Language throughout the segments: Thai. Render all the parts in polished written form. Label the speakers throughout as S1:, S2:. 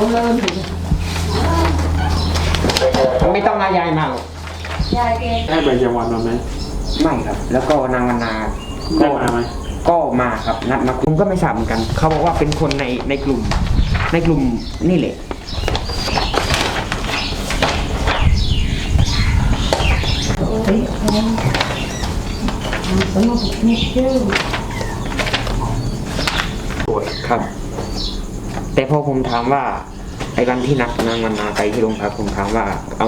S1: ไม่ต้องมายายมา
S2: ยายเก
S3: ได้ใบจำวันมาไหม
S1: ไม่ครับ แล้วก็นางวรรณา
S3: ได้มาไหม
S1: ก็มาครับนัดมาคุมก็ไม่ทราบเหมือนกันเขาบอกว่าเป็นคนในกลุ่มนี่แหละครับแต่พอผมถามว่าไอ้วันที่นัดนางวรรณาไปที่โรงพักผมถามว่าเอา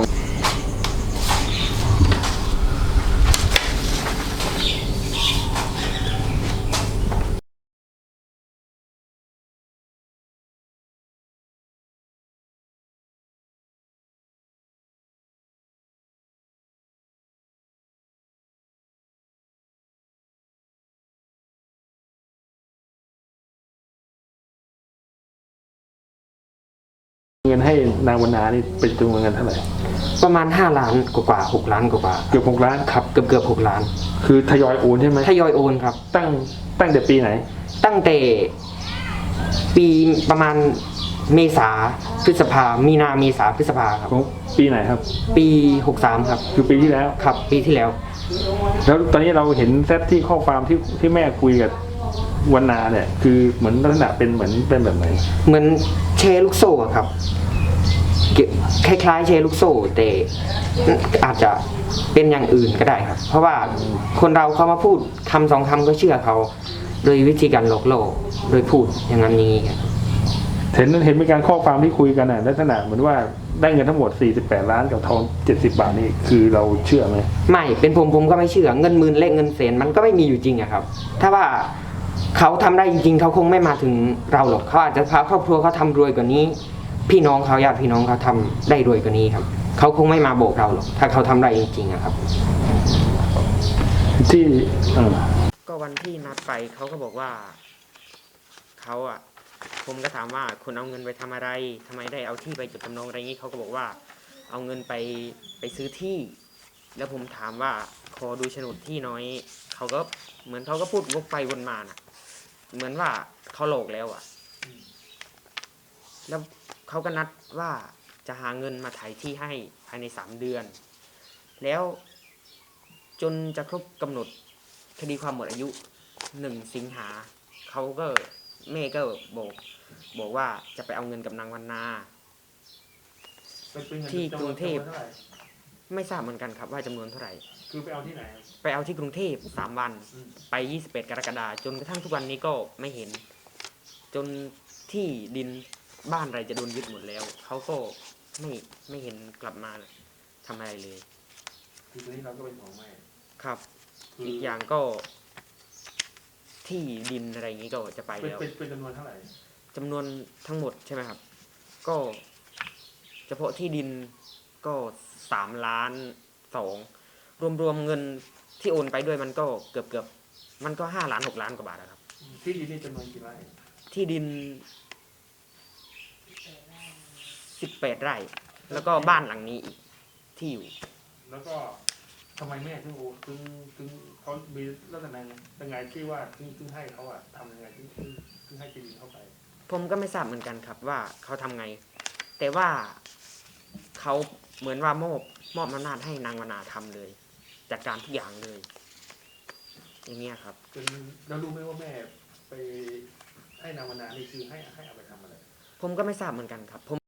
S3: เงินให้นางวรรณานี่เป็นจำนวนเงินเท่าไหร่
S1: ประมาณ5 ล้านกว่า6 ล้านกว่า
S3: เกือบ6 ล้าน
S1: ครับเกือบ6 ล้าน
S3: คือทยอยโอนใช่ไหม
S1: ทยอยโอนครับ
S3: ตั้งแต่ปีไหน
S1: ตั้งแต่ปีประมาณเมษาพฤษภามีนาเมษาพฤษภาครับ
S3: ปีไหนครับ
S1: ปี63ครับ
S3: คือปีที่แล้ว
S1: ครับปีที่แล้ว
S3: แล้วตอนนี้เราเห็นแซทที่ข้อความที่แม่คุยกับวรรณาเนี่ยคือเหมือนลักษณะเป็นเหมือนเป็นแบบไหน
S1: เหมือนแชร์ลูกโซ่ครับคล้ายๆแชร์ลูกโซ่แต่อาจจะเป็นอย่างอื่นก็ได้ครับเพราะว่าคนเราเขามาพูดคำ2 คำก็เชื่อเขาโดยวิธีการหลอกล่อโดยพูดอย่างนั้นนี้
S3: เห็นเป็นการข้อความที่คุยกันลักษณะเหมือนว่าได้เงินทั้งหมด48 ล้านกับทอง70 บาทนี่คือเราเชื่อไหม
S1: ไม่เป็นผมก็ไม่เชื่อเงินหมื่นเลขเงินแสนมันก็ไม่มีอยู่จริงอะครับถ้าว่าเขาทำได้จริงๆเขาคงไม่มาถึงเราหรอกเขาอาจจะพาครอบครัวเขาทำรวยกว่านี้พี่น้องเขาญาติพี่น้องเขาทำได้รวยกว่านี้ครับเขาคงไม่มาโบกเราหรอกถ้าเขาทำได้จริงๆอะครับ
S3: ที่
S1: ก็วันที่นัดไปเขาก็บอกว่าเขาอะผมก็ถามว่าคุณเอาเงินไปทำอะไรทำไมได้เอาที่ไปจดจำนองอะไรงี้เขาก็บอกว่าเอาเงินไปซื้อที่แล้วผมถามว่าขอดูโฉนดที่น้อยเขาก็เหมือนเขาก็พูดวกไปวนมาน่ะเหมือนว่าเขาหลอกแล้วอะแล้วเขาก็นัดว่าจะหาเงินมาไถที่ให้ภายใน3 เดือนแล้วจนจะครบกำหนดคดีความหมดอายุ1 สิงหาเขาก็แม่ก็บอกว่าจะไปเอาเงินกับนางวรรณาที่กรุงเทพไม่ทราบเหมือนกันครับว่าจำนวนเท่าไหร่
S3: คือไปเอาที่ไหน
S1: ไปเอาที่กรุงเทพ3 วันไป21 กรกฎาคมจนกระทั่งทุกวันนี้ก็ไม่เห็นจนที่ดินบ้านอะไรจะโดนยึดหมดแล้วเขาก็ไม่เห็นกลับมาทำอะไรเลย
S3: คือตอนนี้เราก็เป็นของแม่
S1: ครับอีกอย่างก็ที่ดินอะไรอย่างนี้ก็จะไปแล้ว
S3: เป็นจำนวนเท่าไหร่
S1: จำนวนทั้งหมดใช่ไหมครับก็เฉพาะที่ดินก็3 ล้าน 2รวมเงินที่โอนไปด้วยมันก็เกือบมันก็5 ล้าน 6 ล้านกว่าบาทครับ
S3: ที่ดินนี่จำนวนกี่ไร่
S1: ที่ดิน18 ไร่แล้วก็บ้านหลังนี้อีกที่อยู่
S3: แล้วก็ทำไมแม่ถึงเขามีลักษณะยังไงที่ว่าถึงให้เขาอะทำยังไงถึงให้ที่ดินเข้าไป
S1: ผมก็ไม่ทราบเหมือนกันครับว่าเขาทำไงแต่ว่าเขาเหมือนว่ามอบอำนาจให้นางวรรณาทำเลยจัดการทุกอย่างเลยอย่างเงี้ยครับ
S3: แล้วรู้ไหมว่าแม่ไปให้นางวรรณานี่คือให้เอาไปทำอะไร
S1: ผมก็ไม่ทราบเหมือนกันครับผม